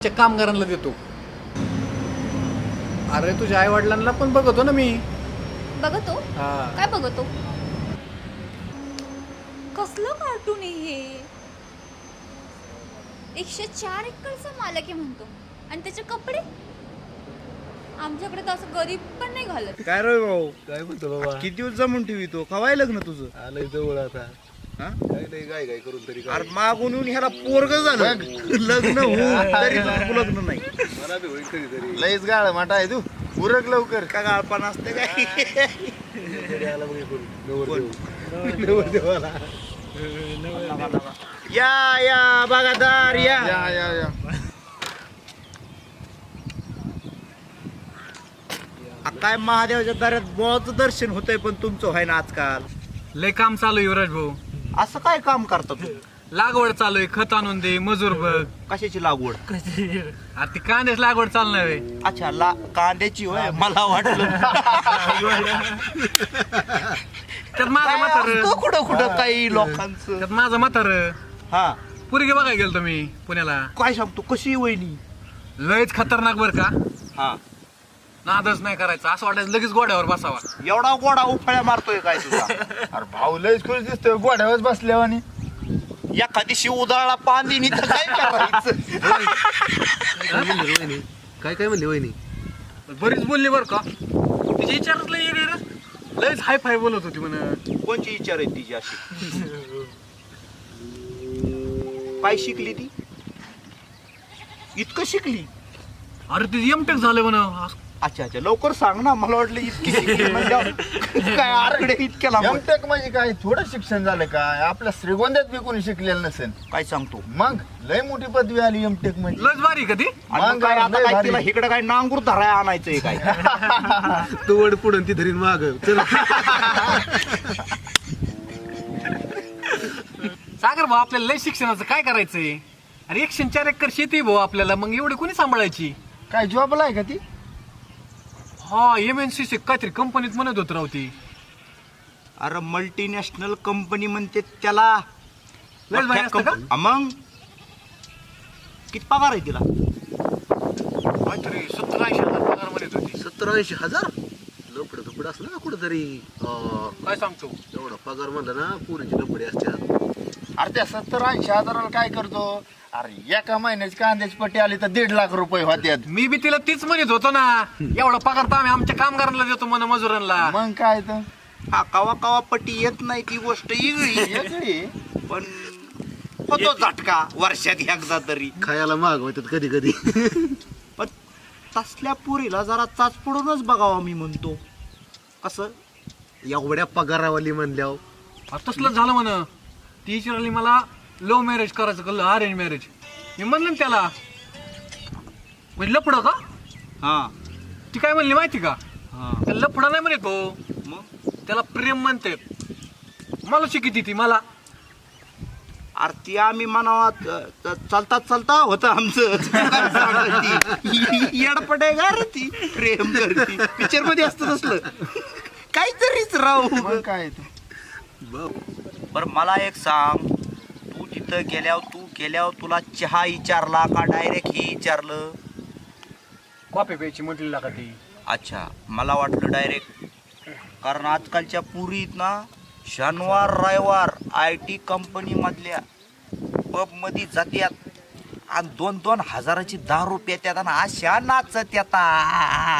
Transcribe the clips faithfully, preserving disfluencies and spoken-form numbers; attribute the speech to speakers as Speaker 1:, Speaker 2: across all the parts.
Speaker 1: कामगारांना देतो. अरे तुझ्या आई वडिलांना पण बघतो ना मी.
Speaker 2: बघतो?
Speaker 1: हा.
Speaker 2: काय बघतो? कसलं कार्टून आहे हे? एकशे चार एकरचा मालक आहे म्हणतो आणि त्याचे कपडे आमच्याकडे तर असं गरीब पण नाही घालत.
Speaker 3: काय रे भाऊ,
Speaker 4: काय म्हणतो बाबा?
Speaker 3: किती दिवस जमून ठेवी तो कवाय लग्न तुझं?
Speaker 4: आलंय जवळ आता.
Speaker 3: हा?
Speaker 4: काय नाही, गाय गाय करून तरी काय.
Speaker 3: अरे मागून येऊन ह्याला पोरग झालं लग्न होऊन तरी तुझं लग्न नाही.
Speaker 4: मला बी होईल कधीतरी. लयच गाळ माटा आहे तू. उरक लवकर.
Speaker 3: का गाळपान असते काय?
Speaker 4: कधी आला मग हे करून. नवरदेव. नवरदेवाला.
Speaker 3: या या बागादार या.
Speaker 4: या या या.
Speaker 3: आ, काय महादेवाच्या दारात बोळाचं दर्शन होतंय पण तुमचं व्हाय ना आजकाल.
Speaker 1: लय काम चालू आहे युवराज भाऊ.
Speaker 3: असं काय काम करता तुम्ही?
Speaker 1: लागवड चालू आहे, खत आणून दे, मजूर बघ.
Speaker 3: कशाची लागवड?
Speaker 1: अरे ती कांद्याच लागवड चालणार आहे.
Speaker 3: अच्छा, ला कांद्याची होय. मला वाटलं
Speaker 1: त्यात माझं म्हातार
Speaker 3: असतं कुठं कुठं काही लोकांचं.
Speaker 1: त्यात माझं म्हातार
Speaker 3: हा,
Speaker 1: पुरगी बघायला गेलो तुम्ही पुण्याला.
Speaker 3: काय सांगतो, कशी वहिनी?
Speaker 1: लयच खतरनाक बर का.
Speaker 3: हा,
Speaker 1: नादच नाही करायचा, असं वाटायचं लगेच गोड्यावर बसावा.
Speaker 3: एवढा गोडा उफाळ्या मारतोय काय तुझा?
Speaker 4: अरे भाऊ लयच खुश दिसतोय गोड्यावर बसल्यावर आणि.
Speaker 3: एखादी शिव उदाळला पांदिनी तर काय करायचं?
Speaker 4: काय काय म्हणली वहिनी?
Speaker 1: बरीच बोलली बर का. तिची विचारच लय वेगळे रे. लयच हाय फाय बोलत होती म्हण.
Speaker 3: कोणची विचार आहे तिची अशी? काय शिकली ती? इतकं शिकली?
Speaker 1: अरे ती एमटेक झालं म्हण.
Speaker 3: अच्छा अच्छा, लवकर सांग ना, मला वाटलं इतकी शिकली म्हणल्यावर काय आकडे इतक्या लांब.
Speaker 4: एमटेक म्हणजे काय थोडं शिक्षण झालं काय? आपल्या श्रीगोंद्यात बी कोणी शिकलेलं नसेल.
Speaker 3: काय सांगतो?
Speaker 4: मग लय मोठी पदवी आली एमटेक म्हणजे.
Speaker 1: लयच भारी कधी.
Speaker 3: आणि मग काय आता काय तिला इकडे काय नांगूर धराय आणायचंय काय?
Speaker 4: तू वड पुढून ती धरीन माग.
Speaker 1: सागर भाऊ, आपल्याला लय शिक्षणाचं काय करायचंय? अरे एकशे चार एकर शेती भाऊ आपल्याला, मग एवढी कोणी सांभाळायची?
Speaker 4: काय जॉबला आहे का ती?
Speaker 1: हा, एम एन सी काहीतरी कंपनीत म्हणत होत राव ती.
Speaker 3: अरे मल्टीनॅशनल कंपनी म्हणते त्याला.
Speaker 1: लयच भारी असतं का?
Speaker 3: हा, मग किती पगार आहे तिला?
Speaker 1: काहीतरी सत्तर ऐंशी हजार पगार म्हणत होती.
Speaker 4: सत्तर ऐंशी हजार लपड दुपड असलं ना कुठंतरी.
Speaker 1: काय सांगतो?
Speaker 4: एवढा पगार म्हणला ना पुरीची लपडी असते. अरे त्या सत्तर ऐंशी हजाराला काय करतो? अरे एका महिन्याची कांद्याची पट्टी आली तर दीड लाख रुपये होत्यात.
Speaker 1: मी बी तिला तीच म्हणत होतो ना, एवढा पगार तर आम्ही आमच्या कामगारांना देतो म्हण, मजुरांना.
Speaker 4: मग काय तर
Speaker 3: हा, कवा कवा पट्टी येत नाही ती गोष्ट वेगळी.
Speaker 4: वेगळी.
Speaker 3: पण होतो झटका वर्षात एकदा तरी.
Speaker 4: खायला महाग होतात कधी कधी.
Speaker 3: पण तसल्या पुरीला जरा चाच पडूनच बघावा मी म्हणतो. कसं
Speaker 4: एवढ्या पगारावाली म्हणल्यावर.
Speaker 1: आता तसलंच झालं म्हण. ती विचारली मला लव्ह मॅरेज करायचं का अरेंज मॅरेज. मी म्हणलं ना त्याला, म्हणजे लपड का?
Speaker 3: हा
Speaker 1: ती काय म्हणली माहिती का?
Speaker 3: हा,
Speaker 1: त्याला लपडा नाही म्हणत भाऊ,
Speaker 3: मग
Speaker 1: त्याला प्रेम म्हणते. मला शिकिती ती मला.
Speaker 3: आरती आम्ही म्हणावा चालता चालता होतं आमचं. येडपट आहे का रे ती? प्रेम करती पिक्चर मध्ये असतं तसलं काहीतरीच राहू.
Speaker 4: मग काय तर.
Speaker 3: बर मला एक सांग, तू तिथं गेल्यावर तू गेल्यावर तुला चहा विचारला का डायरेक्ट हे विचारलं?
Speaker 1: कॉफी प्यायची म्हटली का ती?
Speaker 3: अच्छा, मला वाटलं डायरेक्ट. कारण आजकालच्या पुरीत ना शनिवार रविवार आय टी कंपनी मधल्या पब मध्ये जात्यात आणि दोन दोन हजाराची दारू पेत्यात आणि अशा नाचत येतात.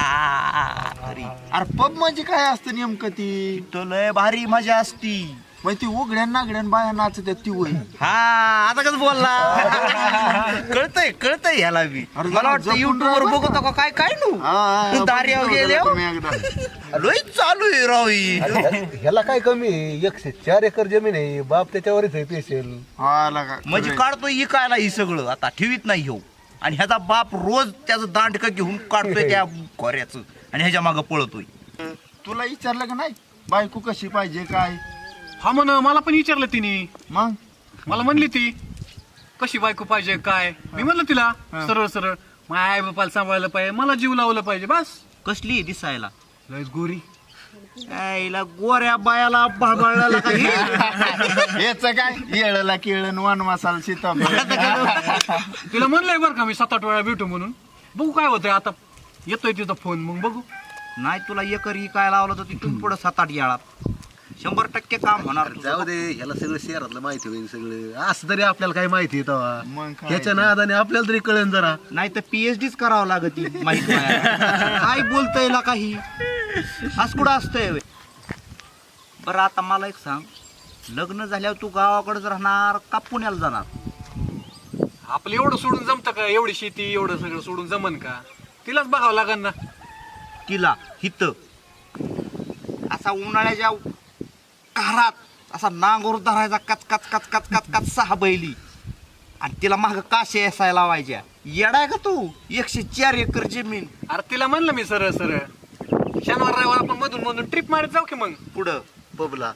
Speaker 4: अरे पब म्हणजे काय असतं नेमकं ती?
Speaker 3: तो लय भारी मजा असती.
Speaker 4: म्हणजे ती उघड्या नागड्यान बाया नाचतात ती वय.
Speaker 3: हा, आता कसं बोलला? कळतंय कळतंय ह्याला बी.
Speaker 4: अरे
Speaker 3: मला वाटतं
Speaker 4: जपून
Speaker 3: युट्यूब वर
Speaker 4: राहा
Speaker 3: बघतो का काय काय नु दार्यावर गेले लय चालू आहे राव ही.
Speaker 5: ह्याला काय कमी आहे? एकशे चार एकर जमीन आहे, बाप त्याच्यावरच आहे पेशल.
Speaker 3: म्हणजे काढतोय इकायला ही सगळं आता ठेवीत नाही हो. आणि ह्याचा बाप रोज त्याचं दांडक घेऊन काढतोय त्या खोऱ्याचं आणि ह्याच्या मागं पळतोय.
Speaker 4: तुला विचारलं का नाही बायको कशी पाहिजे काय?
Speaker 1: हा म्हण, मला पण विचारलं तिने.
Speaker 4: मग
Speaker 1: मला म्हणली ती कशी बायको पाहिजे काय. मी म्हणलं तिला सरळ सरळ, माझ्या आई बापाला सांभाळलं पाहिजे, मला जीव लावलं पाहिजे बस.
Speaker 3: कसली दिसायला?
Speaker 1: लयच गोरी.
Speaker 3: याला गोऱ्या बायाला भाळभाळला काही
Speaker 4: हेच काय येळला केळण वन मसाला सीताफळ
Speaker 1: तिला म्हणलंय बरं का मी सात आठ वेळा भेटू म्हणून. बघू काय होतंय आता. येतोय तिथं फोन, मग बघू.
Speaker 3: नाही तुला एकरी काय लावलं तर तिथून पुढं सात आठ याळात शंभर टक्के काम होणार तुझं.
Speaker 5: जाऊ दे, ह्याला सगळं शहरातलं माहिती होईल सगळं. असं तरी आपल्याला काय माहिती आहे तेव्हा.
Speaker 4: मग काय
Speaker 5: ह्याच्या नादाने आपल्याला तरी कळेल जरा.
Speaker 3: नाही तर पीएचडीच करावं लागत ती माहिती काय बोलतय ना काही आज कुठं असतंय. बरं आता मला एक सांग, लग्न झाल्यावर तू गावाकडेच राहणार का पुण्याला जाणार?
Speaker 1: आपलं एवढं सोडून जमतं का? एवढी शेती एवढं सगळं सोडून जमन का? तिलाच बघावं लागेल ना.
Speaker 3: तिला हित असा उन्हाळ्याच्या कारात असा नांगोर धरायचा कच कच कच कच कच कच सहा बैली आणि तिला माग काशे असायला लावायच्या. येडाय का तू? एकशे चार एकर जमीन.
Speaker 1: अरे तिला म्हणलं मी सरळ सरळ शनिवार रविवार आपण मधून मधून ट्रिप मारत जाऊ की मग.
Speaker 3: पुढं
Speaker 5: पबला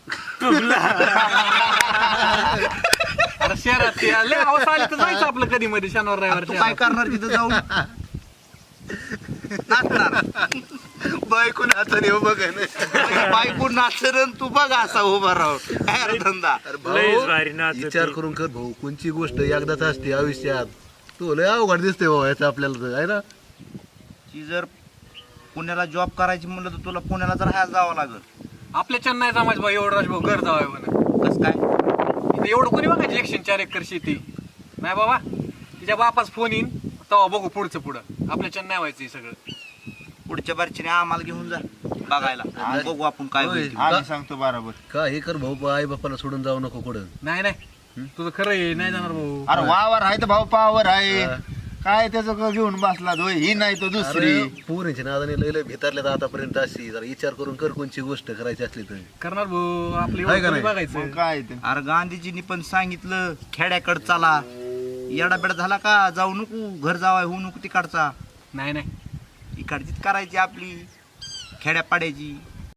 Speaker 1: अरे शहरात ते लय हौस आली तर जायचं आपलं कधी मध्ये शनिवार
Speaker 3: तू
Speaker 1: रविवार.
Speaker 3: काय करणार तिथं जाऊन? नाचणार.
Speaker 5: बायको नाचणे बघ.
Speaker 3: बायको नाचरण तू बघा असा उभा राहून काय रे धंदा.
Speaker 5: विचार करून कर भाऊ, कोणची गोष्ट एकदाच असते आयुष्यात. तू लय अवघड दिसते भाऊ याचं आपल्याला तर, आहे ना.
Speaker 3: ती जर पुण्याला जॉब करायची म्हणलं तर तुला पुण्याला तर राहायला जावं लागल.
Speaker 1: आपल्या चेन्नई जमाच भाऊ एवढं राजभाऊ घर जावं म्हणून.
Speaker 3: कस काय?
Speaker 1: इथं एवढं कोणी बघायची एकशे चार एकर शेती नाही बाबा. तिच्या बापाच फोन येईन तेव्हा बघू पुढचं पुढं. आपल्या चेन्नई व्हायचं सगळं.
Speaker 3: पुढच्या बारचीने आम्हाला घेऊन जा बघायला, बघू आपण काय
Speaker 5: होय.
Speaker 3: होईल.
Speaker 4: आम्ही सांगतो बरोबर.
Speaker 5: का हे कर भाऊ, आई बापाला सोडून जाऊ नको कुठं.
Speaker 1: नाही नाही तुझं खरं आहे, नाही जाणार भाऊ.
Speaker 4: अरे वावर आहे तर भाऊ पावर आहे. काय त्याचं क घेऊन बसला होय, ही नाही तर दुसरी.
Speaker 5: अरे पोरींच्या नादाने लय लय भितारल्यात आतापर्यंत. अशी जरा विचार करून कर कोणची गोष्ट करायची असली तर.
Speaker 1: करणार भाऊ. आपलं
Speaker 5: आहे का
Speaker 1: एवढं कोणी
Speaker 5: नाही?
Speaker 1: बघायचं.
Speaker 4: मग काय ते
Speaker 3: अरे गांधीजींनी पण सांगितलं खेड्याकड चला. येडाबेडा झाला का जाऊ नको, घर जावाय होऊ नको तिकडचा.
Speaker 1: नाही नाही
Speaker 3: इकडचीच करायची आपली खेड्यापाड्याची.